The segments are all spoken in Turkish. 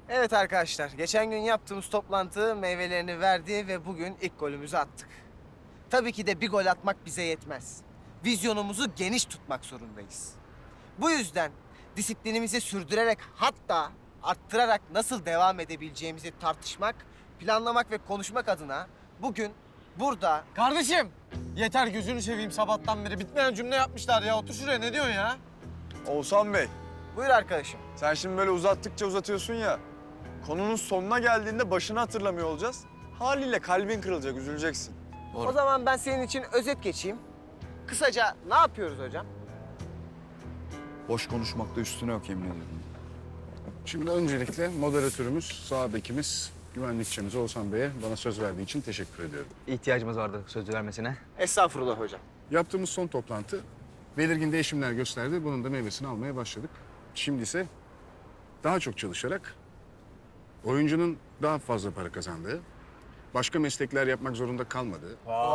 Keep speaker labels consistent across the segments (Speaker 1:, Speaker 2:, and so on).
Speaker 1: Evet arkadaşlar, geçen gün yaptığımız toplantı meyvelerini verdi ve bugün ilk golümüzü attık. Tabii ki de bir gol atmak bize yetmez. Vizyonumuzu geniş tutmak zorundayız. Bu yüzden disiplinimizi sürdürerek hatta arttırarak nasıl devam edebileceğimizi tartışmak, planlamak ve konuşmak adına bugün burada...
Speaker 2: Kardeşim! Yeter gözünü seveyim sabahtan beri. Bitmeyen cümle yapmışlar ya. Otur şuraya ne diyorsun ya?
Speaker 3: Oğuzhan Bey,
Speaker 1: Buyur arkadaşım.
Speaker 3: sen şimdi böyle uzattıkça uzatıyorsun ya. Konunun sonuna geldiğinde başını hatırlamıyor olacağız. Haliyle kalbin kırılacak, üzüleceksin.
Speaker 1: O zaman ben senin için özet geçeyim. Kısaca ne yapıyoruz hocam?
Speaker 3: Boş konuşmakta üstüne yok yemin ediyorum.
Speaker 4: Şimdi öncelikle moderatörümüz, sağ bekimiz, güvenlikçimiz Oğuzhan Bey'e bana söz verdiği için teşekkür ediyorum.
Speaker 5: İhtiyacımız vardı sözü vermesine.
Speaker 1: Estağfurullah hocam.
Speaker 4: Yaptığımız son toplantı belirgin değişimler gösterdi. Bunun da meyvesini almaya başladık. Şimdi ise daha çok çalışarak oyuncunun daha fazla para kazandığı, başka meslekler yapmak zorunda kalmadığı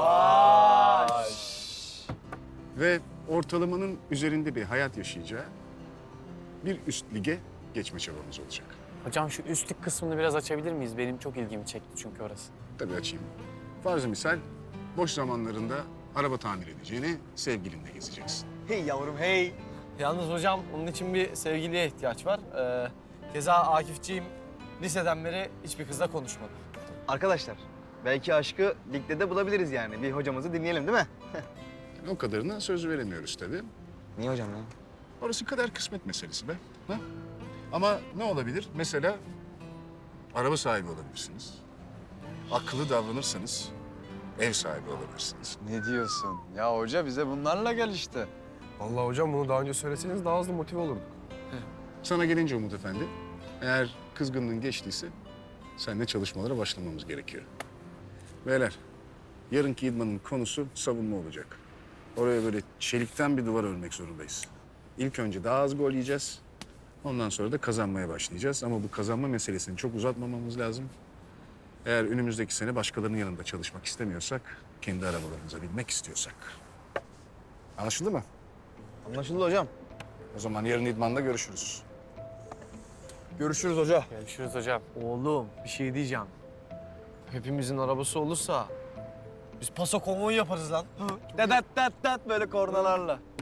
Speaker 4: ve ortalamanın üzerinde bir hayat yaşayacağı bir üst lige geçme çabamız olacak.
Speaker 6: Hocam şu üstlük kısmını biraz açabilir miyiz? Benim çok ilgimi çekti çünkü orası.
Speaker 4: Tabii açayım. Farzı misal, boş zamanlarında araba tamir edeceğine sevgilinle gezeceksin.
Speaker 2: Hey yavrum hey. Yalnız hocam onun için bir sevgiliye ihtiyaç var. Keza Akifciğim liseden beri hiçbir kızla konuşmadı.
Speaker 5: Arkadaşlar belki aşkı ligde de bulabiliriz yani. Bir hocamızı dinleyelim değil mi?
Speaker 4: Yani o kadarına söz veremiyoruz tabii.
Speaker 5: Niye hocam ya?
Speaker 4: Orası kadar kısmet meselesi be. Ha? Ama ne olabilir? Mesela araba sahibi olabilirsiniz. Akıllı davranırsanız ev sahibi olabilirsiniz.
Speaker 3: Ne diyorsun? Ya hoca bize bunlarla gel işte.
Speaker 7: Vallahi hocam bunu daha önce söyleseniz daha hızlı motive olurduk.
Speaker 4: Sana gelince Umut Efendi, eğer kızgınlığın geçtiyse seninle çalışmalara başlamamız gerekiyor. Beyler, yarınki idmanın konusu savunma olacak. Oraya böyle çelikten bir duvar örmek zorundayız. İlk önce daha az gol yiyeceğiz. Ondan sonra da kazanmaya başlayacağız. Ama bu kazanma meselesini çok uzatmamamız lazım. Eğer önümüzdeki sene başkalarının yanında çalışmak istemiyorsak, kendi arabalarımıza binmek istiyorsak. Anlaşıldı mı?
Speaker 5: Anlaşıldı hocam.
Speaker 4: O zaman yarın idmanda görüşürüz.
Speaker 2: Görüşürüz hoca.
Speaker 6: Görüşürüz hocam.
Speaker 2: Oğlum bir şey diyeceğim. Hepimizin arabası olursa biz paso konvoyu yaparız lan.
Speaker 5: Dat dat dat böyle kornalarla.